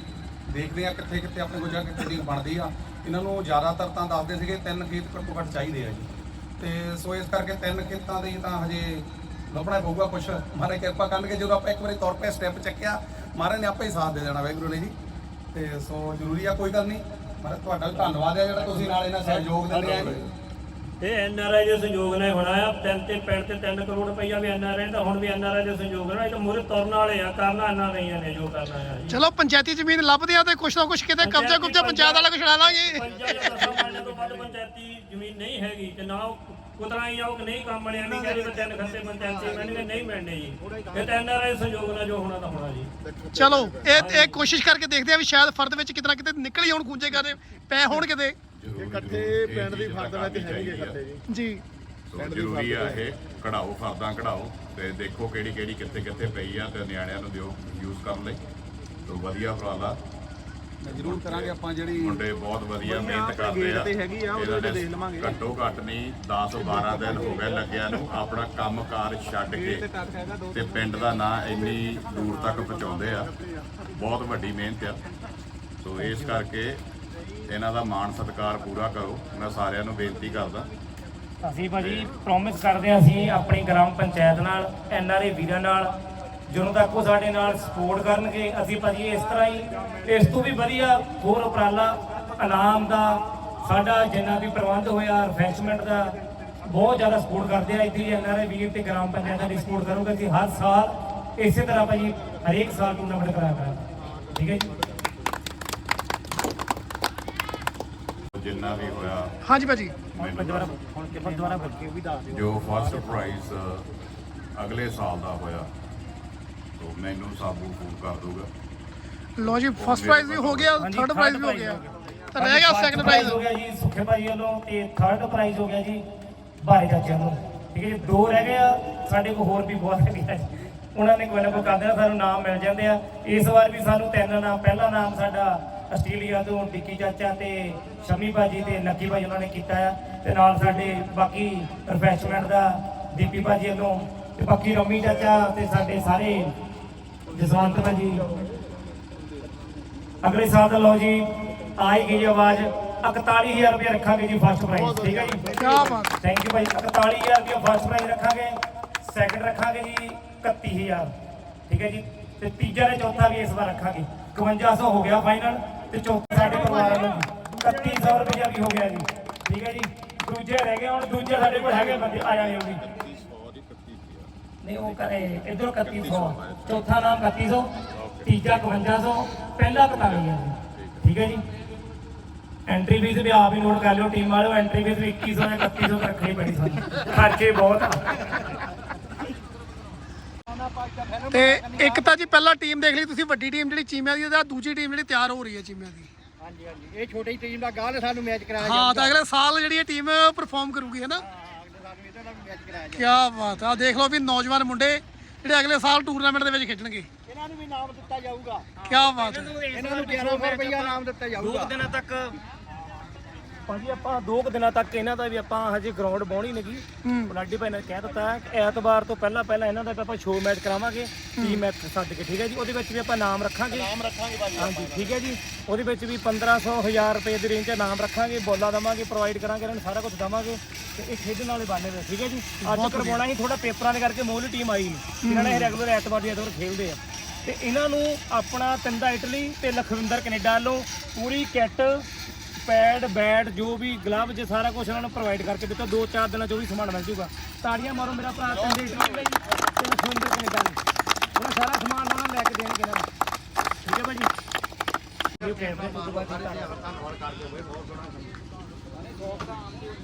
ਦੇਖਦੇ ਆ ਕਿੱਥੇ ਕਿੱਥੇ ਆਪਣੇ ਕੋਲ ਜਾ ਕੇ ਟੀਮ ਬਣਦੀ ਆ। ਇਹਨਾਂ ਨੂੰ ਜ਼ਿਆਦਾਤਰ ਤਾਂ ਦੱਸਦੇ ਸੀਗੇ 3 ਖੇਤ ਘੱਟੋ ਘੱਟ ਚਾਹੀਦੇ ਆ ਜੀ, ਤੇ ਸੋ ਇਸ ਕਰਕੇ 3 ਖੇਤਾਂ ਦੇ ਤਾਂ ਹਜੇ ਲੱਭਣਾ ਪਊਗਾ ਕੁਛ। ਮਹਾਰਾਜ ਕਿਰਪਾ ਕਰਨਗੇ, ਜਦੋਂ ਆਪਾਂ ਇੱਕ ਵਾਰੀ ਤੌਰ 'ਤੇ ਸਟੈਪ ਚੱਕਿਆ ਮਹਾਰਾਜ ਨੇ ਆਪੇ ਹੀ ਸਾਥ ਦੇ ਦੇਣਾ, ਵਾਹਿਗੁਰੂ ਨੇ ਜੀ। ਤੇ ਸੋ ਜ਼ਰੂਰੀ ਆ, ਕੋਈ ਗੱਲ ਨਹੀਂ। ਮਹਾਰਾਜ ਤੁਹਾਡਾ ਵੀ ਧੰਨਵਾਦ ਆ ਜਿਹੜਾ ਤੁਸੀਂ ਨਾਲ ਇਹਨਾਂ ਸਹਿਯੋਗ ਦਿੰਦੇ ਆ।
ਇਹ ਐਨਆਰਆਈ ਦੇ ਸਹਿਯੋਗ ਨਾਲ ਹੋਣਾ ਆ। ਪਿੰਡ ਤੇ 3 ਕਰੋੜ ਰੁਪਈਆ ਵੀ ਐਨਆਰਆਈ ਦਾ, ਹੁਣ ਵੀ ਐਨਆਰਆਈ ਦੇ ਸਹਿਯੋਗ ਨਾਲ। ਇਹ ਤਾਂ ਮੂਹਰੇ ਤੁਰਨ ਵਾਲੇ ਆ, ਕਰਨਾ ਐਨਆਰਆਈਆਂ ਨੇ ਜੋ ਕਰਨਾ ਆ ਜੀ।
ਚਲੋ ਪੰਚਾਇਤੀ ਜ਼ਮੀਨ ਲੱਭਦੇ ਆ ਤੇ ਕੁਛ ਨਾ ਕੁਛ ਕਿਤੇ ਕਬਜ਼ਾ ਪੰਚਾਇਤ ਵਾਲਾ ਕੁਛ ਲੈ ਲਾਂਗੇ।
ਪੰਜਾਂ ਤੋਂ ਵੱਧ ਪੰਚਾਇਤੀ ਜ਼ਮੀਨ ਨਹੀਂ ਹੈਗੀ ਤੇ ਨਾ ਕੁਤਰਾ ਹੀ ਆਉ ਕਿ ਨਹੀਂ ਕੰਮ ਬਣਿਆ, ਨਹੀਂ ਕਹਿੰਦੇ 3 ਖੱਤੇ ਪੰਚਾਇਤੀ ਮਿਲਣਗੇ, ਨਹੀਂ ਮਿਲਣੇ ਜੀ। ਇਹ ਤਾਂ ਐਨਆਰਆਈ ਸਹਿਯੋਗ ਨਾਲ ਜੋ ਹੋਣਾ ਤਾਂ ਹੋਣਾ ਜੀ।
ਚਲੋ ਇਹ ਕੋਸ਼ਿਸ਼ ਕਰਕੇ ਦੇਖਦੇ ਆ ਵੀ ਸ਼ਾਇਦ ਫਰਦ ਵਿੱਚ ਕਿਤੇ ਨਾ ਕਿਤੇ ਨਿਕਲ ਹੀ ਆਉਣ, ਖੂੰਜੇ ਕਰਦੇ ਪੈ ਹੋਣ ਕਿਤੇ।
ਇਕੱਠੇ ਪਿੰਡ ਦੀ ਫਰਦ ਵਿੱਚ ਹੈਗੇ ਖੱਤੇ
ਜੀ
ਸੋ ਜ਼ਰੂਰੀ ਆ ਇਹ ਕਢਾਓ, ਫਰਦਾਂ ਕਢਾਓ ਤੇ ਦੇਖੋ ਕਿਹੜੀ ਕਿਹੜੀ ਕਿੱਥੇ ਕਿੱਥੇ ਪਈ ਆ ਤੇ ਨਿਆਣਿਆਂ ਨੂੰ ਦਿਓ ਯੂਜ਼ ਕਰਨ ਲਈ। ਸੋ ਵਧੀਆ ਉਪਰਾਲਾ
ਜ਼ਰੂਰ ਕਰਾਂਗੇ ਆਪਾਂ। ਜਿਹੜੀ
ਮੁੰਡੇ ਬਹੁਤ ਵਧੀਆ ਮਿਹਨਤ ਕਰਦੇ ਆ। ਇਹਨਾਂ ਨੇ ਘੱਟੋ ਘੱਟ ਨਹੀਂ 10-12 ਦਿਨ ਹੋ ਗਏ ਲੱਗਿਆ ਨੂੰ ਆਪਣਾ ਕੰਮਕਾਰ ਛੱਡ ਕੇ ਤੇ ਪਿੰਡ ਦਾ ਨਾਂ ਇੰਨੀ ਦੂਰ ਤੱਕ ਪਹੁੰਚਾਉਂਦੇ ਆ। ਬਹੁਤ ਵੱਡੀ ਮਿਹਨਤ ਆ। ਸੋ ਇਸ ਕਰਕੇ ਇਹਨਾਂ ਦਾ ਮਾਣ ਸਤਿਕਾਰ ਪੂਰਾ ਕਰੋ। ਮੈਂ ਸਾਰਿਆਂ ਨੂੰ ਬੇਨਤੀ ਕਰਦਾ।
ਅਸੀਂ ਭਾਜੀ ਪ੍ਰੋਮਿਸ ਕਰਦੇ ਹਾਂ, ਅਸੀਂ ਆਪਣੀ ਗ੍ਰਾਮ ਪੰਚਾਇਤ ਨਾਲ, ਐਨਆਰਆਈ ਵੀਰਾਂ ਨਾਲ, ਜਦੋਂ ਤੱਕ ਉਹ ਸਾਡੇ ਨਾਲ ਸਪੋਰਟ ਕਰਨਗੇ, ਅਸੀਂ ਭਾਜੀ ਇਸ ਤਰ੍ਹਾਂ ਹੀ ਇਸ ਤੋਂ ਵੀ ਵਧੀਆ ਹੋਰ ਉਪਰਾਲਾ ਇਨਾਮ ਦਾ ਸਾਡਾ ਜਿੰਨਾ ਵੀ ਪ੍ਰਬੰਧ ਹੋਇਆ, ਰਿਫਰੈਸ਼ਮੈਂਟ ਦਾ ਬਹੁਤ ਜ਼ਿਆਦਾ ਸਪੋਰਟ ਕਰਦੇ ਆ। ਇੱਥੇ ਐਨਆਰਆਈ ਵੀਰ ਤੇ ਗ੍ਰਾਮ ਪੰਚਾਇਤਾਂ ਦੀ ਸਪੋਰਟ ਕਰੋਗੇ, ਅਸੀਂ ਹਰ ਸਾਲ ਇਸੇ ਤਰ੍ਹਾਂ ਭਾਜੀ ਹਰੇਕ ਸਾਲ ਟੂਰਨਾਮੈਂਟ ਕਰਾਇਆ ਕਰਾਂਗੇ। ਠੀਕ ਹੈ ਜੀ।
ਜਿੰਨਾ ਵੀ ਹੋਇਆ
ਹਾਂਜੀ ਭਾਜੀ,
ਜੋ ਫਸਟ ਪ੍ਰਾਈਜ਼ ਅਗਲੇ ਸਾਲ ਦਾ ਹੋਇਆ ਤੋ ਮੈਨੂੰ ਸਾਬੂ ਫੋਨ ਕਰ ਦੂਗਾ।
ਲੋ ਜੀ ਫਸਟ ਪ੍ਰਾਈਜ਼ ਵੀ ਹੋ ਗਿਆ, ਥਰਡ ਪ੍ਰਾਈਜ਼ ਵੀ ਹੋ ਗਿਆ, ਤਾਂ ਰਹਿ ਗਿਆ ਸੈਕੰਡ ਪ੍ਰਾਈਜ਼
ਹੋ ਗਿਆ ਜੀ ਸੁੱਖੇ ਭਾਈ ਵੱਲੋਂ, ਤੇ ਥਰਡ ਪ੍ਰਾਈਜ਼ ਹੋ ਗਿਆ ਜੀ ਭਾਰੇ ਚਾਚੇ ਵੱਲੋਂ। ਠੀਕ ਹੈ ਜੀ, 2 ਰਹਿ ਗਏ ਆ। ਸਾਡੇ ਕੋਲ ਹੋਰ ਵੀ ਬਹੁਤ ਹੈਗੇ ਆ, ਉਹਨਾਂ ਨੇ ਕੋਈ ਨਾ ਕੋਈ ਕਰਦੇ ਸਾਨੂੰ ਨਾਮ ਮਿਲ ਜਾਂਦੇ ਆ। ਇਸ ਵਾਰ ਵੀ ਸਾਨੂੰ 3 ਨਾਮ, ਪਹਿਲਾ ਨਾਮ ਸਾਡਾ ਆਸਟ੍ਰੇਲੀਆ ਤੋਂ ਡਿੱਕੀ ਚਾਚਾ ਤੇ ਸ਼ਮੀ ਭਾਜੀ ਤੇ ਲੱਕੀ ਭਾਜੀ ਉਹਨਾਂ ਨੇ ਕੀਤਾ ਆ, ਤੇ ਨਾਲ ਸਾਡੇ ਬਾਕੀ ਰਿਫਰੈਸ਼ਮੈਂਟ ਦਾ ਦੀਪੀ ਭਾਜੀ ਵੱਲੋਂ, ਤੇ ਬਾਕੀ ਰਮੀ ਚਾਚਾ ਤੇ ਸਾਡੇ ਸਾਰੇ ਜਸਵੰਤ ਭਾਜੀ। ਅਗਲੇ ਸਾਲ ਦਾ ਲਓ ਜੀ ਆਈ ਗਈ ਆਵਾਜ਼ 41000 ਰੁਪਏ ਰੱਖਾਂਗੇ ਜੀ ਫਸਟ ਪ੍ਰਾਈਜ਼। ਠੀਕ ਹੈ ਜੀ,
ਕੀ ਬਾਤ।
ਥੈਂਕ ਯੂ ਭਾਈ। 41000 ਰੁਪਏ ਫਸਟ ਪ੍ਰਾਈਜ਼ ਰੱਖਾਂਗੇ, ਸੈਕੰਡ ਰੱਖਾਂਗੇ ਜੀ 31000। ਠੀਕ ਹੈ ਜੀ, ਤੇ ਤੀਜਾ ਤੇ ਚੌਥਾ ਵੀ ਇਸ ਵਾਰ ਰੱਖਾਂਗੇ। 5100 ਹੋ ਗਿਆ ਫਾਈਨਲ, ਤੇ ਚੌਥਾ ਸਾਡੇ ਪਰਿਵਾਰ ਨੂੰ 3100 ਰੁਪਏ ਵੀ ਹੋ ਗਿਆ ਜੀ। ਠੀਕ ਹੈ ਜੀ, ਦੂਜੇ ਰਹਿ ਗਏ। ਹੁਣ ਦੂਜੇ ਸਾਡੇ ਕੋਲ ਹੈਗੇ ਬੰਦੇ ਆ ਜਾਣੇ ਉਹ ਵੀ ਨਹੀਂ, ਉਹ ਕਰੇ ਇਧਰੋਂ 3100, ਚੌਥਾ ਨਾਮ 3100, ਤੀਜਾ 5500, ਪਹਿਲਾ 41,000 ਜੀ। ਠੀਕ ਹੈ ਜੀ, ਐਂਟਰੀ ਫੀਸ ਵੀ ਆਪ ਹੀ ਨੋਟ ਕਰ ਲਿਓ ਟੀਮ ਵਾਲਿਓ। ਐਂਟਰੀ ਫੀਸ ਵੀ 2100 ਜਾਂ 3100 ਰੱਖਣੀ ਪੈਣੀ ਸਾਨੂੰ, ਖਰਚੇ ਬਹੁਤ ਆ।
ਤੇ ਇੱਕ ਤਾਂ ਜੀ ਪਹਿਲਾਂ ਟੀਮ ਦੇਖ ਲਈ ਤੁਸੀਂ, ਵੱਡੀ ਟੀਮ ਜਿਹੜੀ ਚੀਮਿਆਂ ਦੀ, ਤੇ ਦੂਜੀ ਟੀਮ ਜਿਹੜੀ ਤਿਆਰ ਹੋ ਰਹੀ ਹੈ ਚੀਮਿਆਂ ਦੀ।
ਹਾਂਜੀ ਹਾਂਜੀ, ਇਹ ਛੋਟੀ ਟੀਮ ਦਾ ਗਾਲ ਸਾਨੂੰ ਮੈਚ ਕਰਾਇਆ
ਹਾਂ, ਤਾਂ ਅਗਲੇ ਸਾਲ ਜਿਹੜੀ ਇਹ ਟੀਮ ਪਰਫਾਰਮ ਕਰੂਗੀ, ਹੈ ਨਾ।
ਸਾਨੂੰ ਇਹਦਾ ਨਾਲ ਮੈਚ ਕਰਾਇਆ
ਕੀ ਬਾਤ ਆ। ਦੇਖ ਲਓ ਵੀ ਨੌਜਵਾਨ ਮੁੰਡੇ ਜਿਹੜੇ ਅਗਲੇ ਸਾਲ ਟੂਰਨਾਮੈਂਟ ਦੇ ਵਿੱਚ ਖੇਡਣਗੇ।
ਇਹਨਾਂ ਨੂੰ ਵੀ ਨਾਮ ਦਿੱਤਾ ਜਾਊਗਾ।
ਕੀ ਬਾਤ ਹੈ।
ਇਹਨਾਂ ਨੂੰ 1100 ਰੁਪਇਆ ਨਾਮ ਦਿੱਤਾ ਜਾਊਗਾ।
2 ਦਿਨਾਂ ਤੱਕ ਭਾਜੀ ਆਪਾਂ 2 ਦਿਨਾਂ ਤੱਕ ਇਹਨਾਂ ਦਾ ਵੀ ਆਪਾਂ ਹਜੇ ਗਰਾਊਂਡ ਬਾਉਣੀ ਨੇਗੀ। ਲਾਡੀ ਭਾਈ ਨੇ ਕਹਿ ਦਿੱਤਾ ਐਤਵਾਰ ਤੋਂ ਪਹਿਲਾਂ ਇਹਨਾਂ ਦਾ ਆਪਾਂ ਸ਼ੋਅ ਮੈਚ ਕਰਾਵਾਂਗੇ, ਟੀਮ ਮੈਚ ਸੱਦ ਕੇ। ਠੀਕ ਹੈ ਜੀ, ਉਹਦੇ ਵਿੱਚ ਵੀ ਆਪਾਂ ਨਾਮ ਰੱਖਾਂਗੇ ਭਾਜੀ। ਹਾਂਜੀ ਠੀਕ ਹੈ ਜੀ, ਉਹਦੇ ਵਿੱਚ ਵੀ 1500 1000 ਰੁਪਏ ਦੀ ਰੇਂਜ 'ਚ ਨਾਮ ਰੱਖਾਂਗੇ, ਬੋਲਾਂ ਦੇਵਾਂਗੇ, ਪ੍ਰੋਵਾਈਡ ਕਰਾਂਗੇ, ਇਹਨਾਂ ਨੂੰ ਸਾਰਾ ਕੁਝ ਦੇਵਾਂਗੇ, ਤੇ ਇਹ ਖੇਡਣ ਵਾਲੇ ਬਾਨੇ ਨੇ। ਠੀਕ ਹੈ ਜੀ, ਅੱਜ ਕਰਵਾਉਣਾ ਹੀ ਥੋੜਾ ਪੇਪਰਾਂ ਦੇ ਕਰਕੇ ਮੋਹਲੀ ਟੀਮ ਆਈ ਨਹੀਂ, ਇਹਨਾਂ ਨੇ ਰੈਗੂਲਰ ਐਤਵਾਰ ਦੀ ਐਤਵਾਰ ਖੇਡਦੇ ਆ। ਤੇ ਇਹਨਾਂ ਨੂੰ ਆਪਣਾ ਤਿੰਦਾ ਇਟਲੀ ਤੇ ਲਖਵਿੰਦਰ ਕੈਨੇਡਾ ਵੱਲੋਂ ਪੂਰੀ ਕਿੱਟ, ਪੈਡ, ਬੈਟ, ਜੋ ਵੀ ਗਲਵ, ਜੇ ਸਾਰਾ ਕੁਝ ਉਹਨਾਂ ਨੂੰ ਪ੍ਰੋਵਾਈਡ ਕਰਕੇ ਦਿੱਤਾ। 2-4 ਦਿਨਾਂ 'ਚ ਉਹ ਵੀ ਸਮਾਨ ਮਿਲ ਜੂਗਾ। ਤਾੜੀਆਂ ਮਾਰੋ ਮੇਰਾ ਭਰਾ ਤਿੰਦੇ ਇਟਲੀ ਲਈ ਤੇ ਲਖਵਿੰਦਰ ਕੈਨੇਡਾ ਲਈ, ਉਹਨਾਂ ਸਾਰਾ ਸਮਾਨ ਉਹਨਾਂ ਨੂੰ ਲੈ ਕੇ ਦੇਣਗੇ ਇਹਨਾਂ ਨੂੰ। ਠੀਕ ਹੈ ਭਾਜੀ, ਇਹ ਕੈਮਰੇ ਤੋਂ ਬਾਅਦ ਧੰਨਵਾਦ ਕਰਦੇ ਹੋਏ ਬਹੁਤ ਸੋਹਣਾ।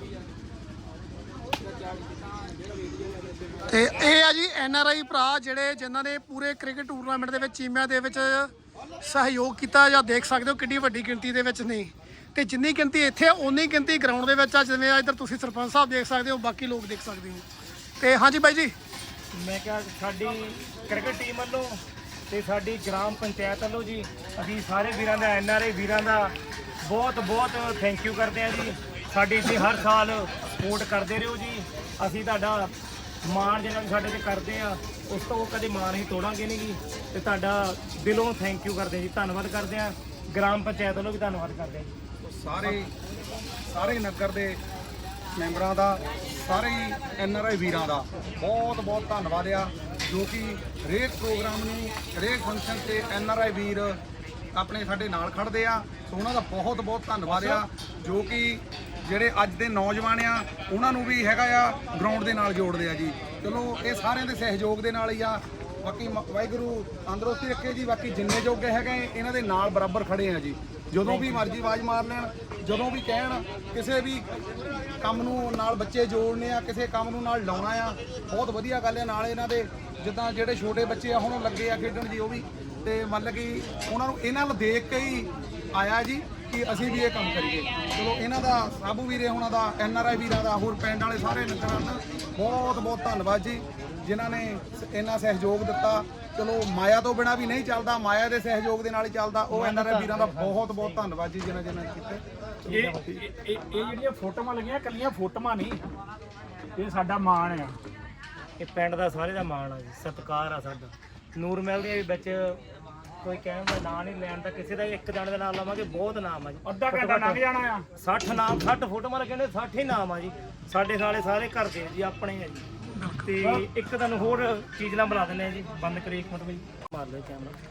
ਤੇ ਇਹ ਆ ਜੀ ਐਨਆਰਆਈ ਭਰਾ ਜਿਹੜੇ ਜਿਨ੍ਹਾਂ ਨੇ ਪੂਰੇ ਕ੍ਰਿਕਟ ਟੂਰਨਾਮੈਂਟ ਦੇ ਵਿੱਚ ਚੀਮਿਆਂ ਦੇ ਵਿੱਚ ਸਹਿਯੋਗ ਕੀਤਾ, ਜਾਂ ਦੇਖ ਸਕਦੇ ਹੋ ਕਿੰਨੀ ਵੱਡੀ ਗਿਣਤੀ ਦੇ ਵਿੱਚ ਨੇ। ਤੇ ਜਿੰਨੀ ਗਿਣਤੀ ਇੱਥੇ ਓਨੀ ਗਿਣਤੀ ਗਰਾਊਂਡ ਦੇ ਵਿੱਚ ਆ, ਜਿਵੇਂ ਇੱਧਰ ਤੁਸੀਂ ਸਰਪੰਚ ਸਾਹਿਬ ਦੇਖ ਸਕਦੇ ਹੋ, ਬਾਕੀ ਲੋਕ ਦੇਖ ਸਕਦੇ ਹੋ। ਤੇ ਹਾਂਜੀ ਬਾਈ ਜੀ,
ਮੈਂ ਕਿਹਾ ਸਾਡੀ ਕ੍ਰਿਕਟ ਟੀਮ ਵੱਲੋਂ ਤੇ ਸਾਡੀ ਗ੍ਰਾਮ ਪੰਚਾਇਤ ਵੱਲੋਂ ਜੀ ਅਸੀਂ ਸਾਰੇ ਵੀਰਾਂ ਦਾ, ਐਨਆਰਆਈ ਵੀਰਾਂ ਦਾ ਬਹੁਤ ਬਹੁਤ ਥੈਂਕ ਯੂ ਕਰਦੇ ਹਾਂ ਜੀ। ਸਾਡੀ ਇੱਥੇ ਹਰ ਸਾਲ ਸਪੋਰਟ ਕਰਦੇ ਰਹੋ ਜੀ। ਅਸੀਂ ਤੁਹਾਡਾ ਮਾਣ ਜਿਹੜਾ ਵੀ ਸਾਡੇ ਤੇ ਕਰਦੇ ਆ, ਉਸ ਤੋਂ ਕਦੇ ਮਾਣ ਹੀ ਤੋੜਾਂਗੇ ਨਹੀਂ ਜੀ। ਤੇ ਤੁਹਾਡਾ ਦਿਲੋਂ ਥੈਂਕ ਯੂ ਕਰਦੇ ਜੀ, ਧੰਨਵਾਦ ਕਰਦੇ ਆ। ਗ੍ਰਾਮ ਪੰਚਾਇਤ ਵੱਲੋਂ ਵੀ ਧੰਨਵਾਦ ਕਰਦੇ ਹਾਂ ਜੀ।
ਸਾਰੇ ਨਗਰ ਦੇ ਮੈਂਬਰਾਂ ਦਾ, ਸਾਰੇ NRI ਵੀਰਾਂ ਦਾ ਬਹੁਤ ਬਹੁਤ ਧੰਨਵਾਦ ਆ, ਜੋ ਕਿ ਹਰੇਕ ਪ੍ਰੋਗਰਾਮ ਨੂੰ, ਹਰੇਕ ਫੰਕਸ਼ਨ ਤੇ NRI ਵੀਰ ਆਪਣੇ ਸਾਡੇ ਨਾਲ ਖੜਦੇ ਆ। ਸੋ ਉਹਨਾਂ ਦਾ ਬਹੁਤ ਬਹੁਤ ਧੰਨਵਾਦ ਆ, ਜੋ ਕਿ ਜਿਹੜੇ ਅੱਜ ਦੇ ਨੌਜਵਾਨ ਆ ਉਹਨਾਂ ਨੂੰ ਵੀ ਹੈਗਾ ਆ ਗਰਾਊਂਡ ਦੇ ਨਾਲ ਜੋੜਦੇ ਆ ਜੀ। ਚਲੋ ਇਹ ਸਾਰਿਆਂ ਦੇ ਸਹਿਯੋਗ ਦੇ ਨਾਲ ਹੀ ਆ। ਬਾਕੀ ਵਾਹਿਗੁਰੂ ਤੰਦਰੁਸਤੀ ਰੱਖੇ ਜੀ। ਬਾਕੀ ਜਿੰਨੇ ਜੋਗੇ ਹੈਗੇ ਇਹਨਾਂ ਦੇ ਨਾਲ ਬਰਾਬਰ ਖੜੇ ਆ ਜੀ। ਜਦੋਂ ਵੀ ਮਰਜ਼ੀ ਆਵਾਜ਼ ਮਾਰ ਲੈਣ, ਜਦੋਂ ਵੀ ਕਹਿਣ, ਕਿਸੇ ਵੀ ਕੰਮ ਨੂੰ ਨਾਲ ਬੱਚੇ ਜੋੜਨੇ ਆ, ਕਿਸੇ ਕੰਮ ਨੂੰ ਨਾਲ ਲਾਉਣਾ ਆ, ਬਹੁਤ ਵਧੀਆ ਗੱਲ ਹੈ। ਨਾਲ ਇਹਨਾਂ ਦੇ ਜਿੱਦਾਂ ਜਿਹੜੇ ਛੋਟੇ ਬੱਚੇ ਆ ਹੁਣ ਲੱਗੇ ਆ ਖੇਡਣ ਜੀ, ਉਹ ਵੀ ਤੇ ਮਤਲਬ ਕਿ ਉਹਨਾਂ ਨੂੰ ਇਹਨਾਂ ਨੂੰ ਦੇਖ ਕੇ ਹੀ ਆਇਆ ਜੀ ਕਿ ਅਸੀਂ ਵੀ ਇਹ ਕੰਮ ਕਰੀਏ। ਚਲੋ ਇਹਨਾਂ ਦਾ ਸਾਬੂ ਵੀਰੇ ਹੁਣਾਂ ਦਾ, NRI ਵੀਰਾਂ ਦਾ, ਹੋਰ ਪਿੰਡ ਵਾਲੇ ਸਾਰੇ ਨਗਰਾਂ ਦਾ ਬਹੁਤ ਬਹੁਤ ਧੰਨਵਾਦ ਜੀ, ਜਿਨ੍ਹਾਂ ਨੇ ਇੰਨਾ ਸਹਿਯੋਗ ਦਿੱਤਾ। ਚਲੋ ਮਾਇਆ ਤੋਂ ਬਿਨਾ ਵੀ ਨਹੀਂ ਚੱਲਦਾ, ਮਾਇਆ ਦੇ ਸਹਿਯੋਗ ਦੇ ਨਾਲ ਹੀ ਚੱਲਦਾ। ਉਹ NRI ਵੀਰਾਂ ਦਾ ਬਹੁਤ ਬਹੁਤ ਧੰਨਵਾਦ ਜੀ, ਜਿਨ੍ਹਾਂ ਨੇ ਕੀਤੇ।
ਇਹ ਜਿਹੜੀਆਂ ਫੋਟੋਆਂ ਲੱਗੀਆਂ ਕੱਲੀਆਂ ਫੋਟੋਆਂ ਨਹੀਂ, ਇਹ ਸਾਡਾ ਮਾਣ ਆ।
ਇਹ ਪਿੰਡ ਦਾ ਸਾਰੇ ਦਾ ਮਾਣ ਆ ਜੀ, ਸਤਿਕਾਰ ਆ ਸਾਡਾ। ਨੂਰ ਮਹਿਲ ਦੇ ਵਿੱਚ ਕੋਈ ਕਹਿਣ ਦਾ ਨਾਂ ਨਹੀਂ ਲੈਣ ਦਾ, ਕਿਸੇ ਦਾ ਇੱਕ ਜਣ ਦਾ ਨਾਮ ਲਵਾਂਗੇ ਬਹੁਤ ਨਾਮ ਆ ਜੀ।
ਅੱਧਾ ਘੰਟਾ ਲੰਘ ਜਾਣਾ ਆ।
60 ਨਾਮ, 60 ਫੋਟੋਆਂ ਲੱਗੀਆਂ ਨੇ, 60 ਹੀ ਨਾਮ ਆ ਜੀ। ਸਾਡੇ ਨਾਲੇ ਸਾਰੇ ਘਰ ਦੇ ਜੀ, ਆਪਣੇ ਆ ਜੀ। ਤੇ ਇੱਕ ਤੁਹਾਨੂੰ ਹੋਰ ਚੀਜ਼ ਨਾਲ ਬੁਲਾ ਦਿੰਦੇ ਆ ਜੀ, ਬੰਦ ਕਰੀ ਇੱਕ ਮਿੰਟ ਭਾਈ, ਮਾਰ ਲਓ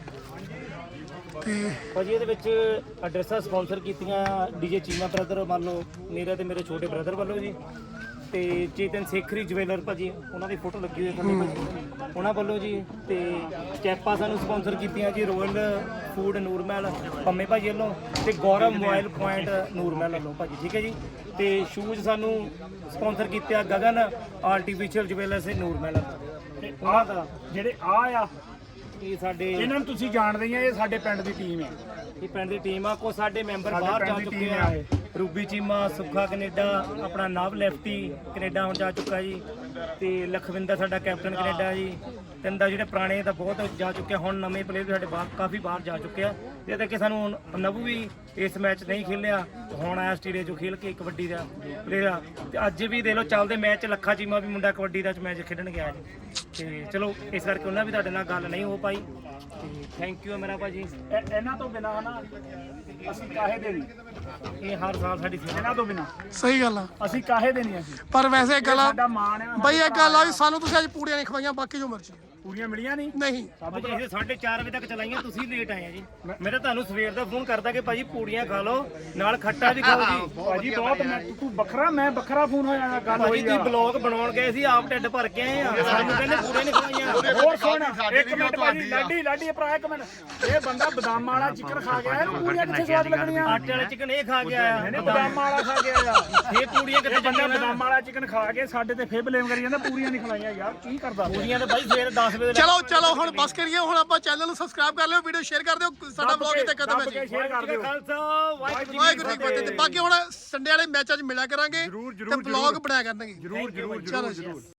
ਕੈਮਰਾ। ਭਾਜੀ ਇਹਦੇ ਵਿੱਚ ਐਡਰੈਸਾਂ ਸਪਾਂਸਰ ਕੀਤੀਆਂ DJ ਚੀਮਾ ਬ੍ਰਦਰ, ਮੰਨ ਲਓ ਮੇਰੇ ਤੇ ਮੇਰੇ ਛੋਟੇ ਬ੍ਰਦਰ ਵੱਲੋਂ ਜੀ, ਤੇ ਚੇਤਨ ਸੇਖਰੀ ਜਵੈਲਰ ਭਾਜੀ, ਉਹਨਾਂ ਦੀ ਫੋਟੋ ਲੱਗੀ ਹੋਈ ਥੱਲੇ ਭਾਜੀ, ਉਹਨਾਂ ਵੱਲੋਂ ਜੀ। ਤੇ ਕੈਪਾਂ ਸਾਨੂੰ ਸਪਾਂਸਰ ਕੀਤੀਆਂ ਜੀ ਰੋਇਲ ਫੂਡ ਨੂਰਮਹਿਲ ਪੰਮੇ ਭਾਜੀ ਵੱਲੋਂ, ਤੇ ਗੌਰਵ ਮੋਬਾਈਲ ਪੁਆਇੰਟ ਨੂਰਮਹਿਲ ਵੱਲੋਂ ਭਾਜੀ, ਠੀਕ ਹੈ ਜੀ। ਤੇ ਸ਼ੂਜ਼ ਸਾਨੂੰ ਸਪਾਂਸਰ ਕੀਤੇ ਆ ਗਗਨ ਆਰਟੀਫੀਸ਼ੀਅਲ ਜਵੈਲਰਸ ਨੂਰਮਹਿਲ,
ਤੇ
ਉਹਨਾਂ ਦਾ
ਜਿਹੜੇ ਆ
ਇਹ ਸਾਡੇ,
ਇਹਨਾਂ ਨੂੰ ਤੁਸੀਂ ਜਾਣਦੇ ਹੀ ਆ, ਇਹ ਸਾਡੇ ਪਿੰਡ ਦੀ ਟੀਮ ਆ।
ਇਹ ਪਿੰਡ ਦੀ ਟੀਮ ਆ। ਕੋ ਸਾਡੇ ਮੈਂਬਰ ਬਾਹਰ ਜਾ ਚੁੱਕੇ ਆ, ਰੂਬੀ ਚੀਮਾ, ਸੁੱਖਾ ਕੈਨੇਡਾ, ਆਪਣਾ ਨਵ ਲੈਫਟੀ ਕੈਨੇਡਾ ਹੁਣ ਜਾ ਚੁੱਕਾ ਜੀ, ਤੇ ਲਖਵਿੰਦਰ ਸਾਡਾ ਕੈਪਟਨ ਕੈਨੇਡਾ ਜੀ। ਤਿੰਨ ਦਾ ਜਿਹੜੇ ਪੁਰਾਣੇ ਤਾਂ ਬਹੁਤ ਜਾ ਚੁੱਕੇ, ਹੁਣ ਨਵੇਂ ਪਲੇਅਰ ਵੀ ਸਾਡੇ ਬਾਹਰ ਕਾਫੀ ਬਾਹਰ ਜਾ ਚੁੱਕੇ ਆ। ਤੇ ਕਿ ਸਾਨੂੰ ਨਵੂ ਵੀ ਇਸ ਮੈਚ ਨਹੀਂ ਖੇਲਿਆ, ਹੁਣ ਆਇਆ ਆਸਟ੍ਰੇਲੀਆ ਚੋਂ ਖੇਲ ਕੇ ਕਬੱਡੀ ਦਾ ਪਲੇਅਰ ਆ। ਤੇ ਅੱਜ ਵੀ ਦੇਖ ਲਓ ਚੱਲਦੇ ਮੈਚ ਲੱਖਾ ਚੀਮਾ ਵੀ ਮੁੰਡਾ ਕਬੱਡੀ ਦਾ ਮੈਚ ਖੇਡਣ ਗਿਆ ਜੀ। ਤੇ ਚਲੋ ਇਸ ਕਰਕੇ ਉਹਨਾਂ ਵੀ ਤੁਹਾਡੇ ਨਾਲ ਗੱਲ ਨਹੀਂ ਹੋ ਪਾਈ, ਤੇ ਥੈਂਕ ਯੂ ਮੇਰਾ ਭਾਜੀ।
ਇਹਨਾਂ ਤੋਂ ਬਿਨਾਂ ਨਾ ਅਸੀਂ ਕਾਹੇ ਦੇ ਨਹੀਂ,
ਇਹ ਹਰ ਸਾਲ ਸਾਡੀ
ਇਹਨਾਂ ਤੋਂ ਬਿਨਾਂ
ਸਹੀ ਗੱਲ ਆ,
ਅਸੀਂ ਕਾਹੇ ਦੇ ਨਹੀਂ। ਅਸੀਂ
ਪਰ ਵੈਸੇ ਗੱਲ ਆ
ਸਾਡਾ ਮਾਣ ਆ
ਬਈ, ਇਹ ਗੱਲ ਆ ਵੀ ਸਾਨੂੰ ਤੁਸੀਂ ਅੱਜ ਪੂੜੀਆਂ ਨਹੀਂ ਖਵਾਈਆਂ, ਬਾਕੀ ਜੋ ਮਰਜ਼ੀ
ਪੂਰੀਆਂ ਮਿਲੀਆਂ ਨਹੀਂ।
ਨਹੀਂ
ਭਾਜੀ ਇਹ 4:30 ਵਜੇ ਤੱਕ ਚਲਾਈਆਂ, ਤੁਸੀਂ ਲੇਟ ਆਏ ਆ ਜੀ। ਮੈਂ ਤਾਂ ਤੁਹਾਨੂੰ ਸਵੇਰ ਦਾ ਫੋਨ ਕਰਦਾ ਕਿ ਭਾਜੀ ਪੂੜੀਆਂ ਖਾ ਲਓ, ਨਾਲ ਖੱਟਾ ਵੀ ਖਾਓ ਜੀ।
ਭਾਜੀ ਬਹੁਤ, ਤੂੰ ਵੱਖਰਾ, ਮੈਂ ਵੱਖਰਾ ਫੋਨ ਹੋਇਆ ਗੱਲ
ਭਾਜੀ
ਹੋਈ
ਤੁਸੀਂ
ਆ।
ਬਲੌਗ ਬਣਾਉਣ ਗਏ ਸੀ, ਆਪ ਢਿੱਡ ਭਰ ਕੇ ਆਏ ਆ, ਸਾਨੂੰ ਕਹਿੰਦੇ ਪੂੜੇ ਨਹੀਂ ਖਵਾਈਆਂ।
ਹੋਰ ਸੁਣ ਇੱਕ ਮਿੰਟ ਭਾਜੀ, ਲਾਡੀ ਭਰਾ ਇੱਕ ਮਿੰਟ, ਇਹ ਬੰਦਾ ਬਦਾਮਾਂ ਵਾਲਾ ਚਿਕਨ ਖਾ ਗਿਆ, ਇਹਨੂੰ ਪੂਰੀਆਂ ਕਿੱਥੇ ਸਵਾਦ ਲੱਗਣੀਆਂ?
ਆਟੇ ਵਾਲੇ ਚਿਕਨ ਇਹ ਖਾ ਕੇ ਆਇਆ,
ਇਹਨੇ ਬਦਾਮਾਂ ਵਾਲਾ ਖਾ ਗਿਆ ਯਾਰ।
ਇਹ ਪੂੜੀਆਂ ਕਿੱਥੇ
ਬੰਦਾ
ਚੱਲੀਆਂ?
ਬਦਾਮਾਂ ਵਾਲਾ ਚਿਕਨ ਖਾ ਕੇ ਸਾਡੇ ਤੇ ਫੇਰ ਬਲੇਮ ਕਰੀ ਜਾਂਦਾ, ਪੂਰੀਆਂ ਨਹੀਂ ਖਲਾਈਆਂ ਯਾਰ, ਕੀ ਕਰਦਾ?
ਪੂੜੀਆਂ ਤਾਂ ਭਾਈ ਸਵੇਰ 10 ਵਜੇ
ਚਲੋ ਹੁਣ ਬਸ ਕਰੀਏ। ਹੁਣ ਆਪਾਂ ਚੈਨਲ ਨੂੰ ਸਬਸਕ੍ਰਾਈਬ ਕਰ ਲਿਓ, ਵੀਡੀਓ ਸ਼ੇਅਰ ਕਰ ਦਿਓ, ਸਾਡਾ ਬਲੌਗ ਇੱਥੇ ਖਤਮ ਹੈ ਜੀ।
ਸ਼ੇਅਰ ਕਰ ਦਿਓ।
ਖਾਲਸਾ
ਵਾਹਿਗੁਰੂ ਜੀ ਕੀ ਫਤਿਹ। ਤੇ ਬਾਕੀ ਹੁਣ ਸੰਡੇ ਵਾਲੇ ਮੈਚਾਂ 'ਚ ਮਿਲਿਆ ਕਰਾਂਗੇ ਤੇ ਬਲੌਗ ਬਣਾਇਆ ਕਰਾਂਗੇ।
ਜ਼ਰੂਰ
ਚਲੋ ਜੀ।